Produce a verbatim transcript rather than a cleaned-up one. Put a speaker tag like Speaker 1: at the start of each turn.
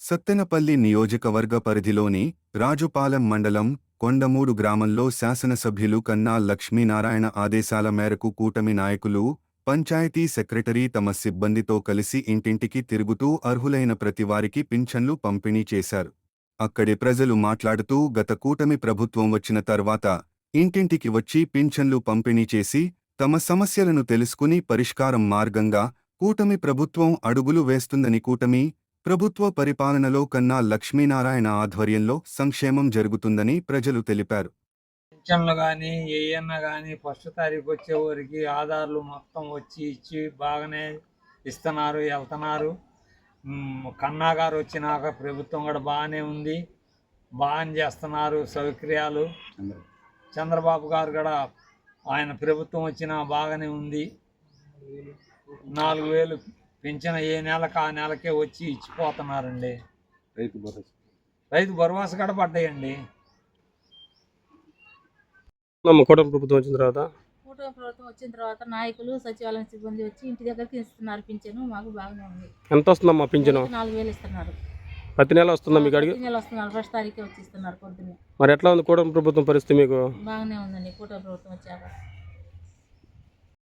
Speaker 1: సత్తెనపల్లి నియోజకవర్గ పరిధిలోని రాజుపాలెం మండలం కొండమూడు గ్రామంలో శాసనసభ్యులు కన్నా లక్ష్మీనారాయణ ఆదేశాల మేరకు కూటమి నాయకులు, పంచాయతీ సెక్రటరీ తమ సిబ్బందితో కలిసి ఇంటింటికి తిరుగుతూ అర్హులైన ప్రతివారికి పింఛన్లు పంపిణీ చేశారు. అక్కడి ప్రజలు మాట్లాడుతూ గత కూటమి ప్రభుత్వం వచ్చిన తర్వాత ఇంటింటికి వచ్చి పింఛన్లు పంపిణీ చేసి తమ సమస్యలను తెలుసుకుని పరిష్కారం మార్గంగా కూటమి ప్రభుత్వం అడుగులు వేస్తుందని, కూటమి ప్రభుత్వ పరిపాలనలో కన్నా లక్ష్మీనారాయణ ఆధ్వర్యంలో సంక్షేమం జరుగుతుందని ప్రజలు తెలిపారు.
Speaker 2: పింఛన్లు కానీ ఏయన్నా కానీ ఫస్ట్ తారీఖు వచ్చేవారికి ఆధార్లు మొత్తం వచ్చి ఇచ్చి బాగానే ఇస్తున్నారు, వెళ్తున్నారు. కన్నా గారు వచ్చినాక ప్రభుత్వం కూడా బాగానే ఉంది, బాగానే చేస్తున్నారు సౌకర్యాలు. చంద్రబాబు గారు కూడా ఆయన ప్రభుత్వం వచ్చినా బాగానే ఉంది. నాలుగు వేలు పింఛన్ ఏ నెలకు ఆ నెలకే వచ్చి ఇచ్చిపోతున్నారండి.
Speaker 3: రైతు భరోసా
Speaker 2: రైతు భరోసా కూడా పడ్డాయండి.
Speaker 4: కూటమి ప్రభుత్వం వచ్చిన తర్వాత
Speaker 5: కూటమి ప్రభుత్వం వచ్చిన తర్వాత నాయకులు సచివాలయం సిబ్బంది వచ్చి ఇంటి దగ్గరికి ఇస్తున్నారు పింఛను. మాకు బాగానే ఉంది.
Speaker 4: ఎంత వస్తుందమ్మా పింఛను?
Speaker 5: నాలుగు వేలు ఇస్తున్నారు.
Speaker 4: ప్రతి నెల వస్తుందా మీకు అడిగి?
Speaker 5: ప్రతి నెల వస్తున్నారు, ఫస్ట్ తారీఖే వచ్చి ఇస్తున్నారు పొద్దున్నే.
Speaker 4: మరి ఎట్లా ఉంది కూటమి ప్రభుత్వం పరిస్థితి మీకు?
Speaker 5: బాగానే ఉందండి కూటమి ప్రభుత్వం వచ్చాక.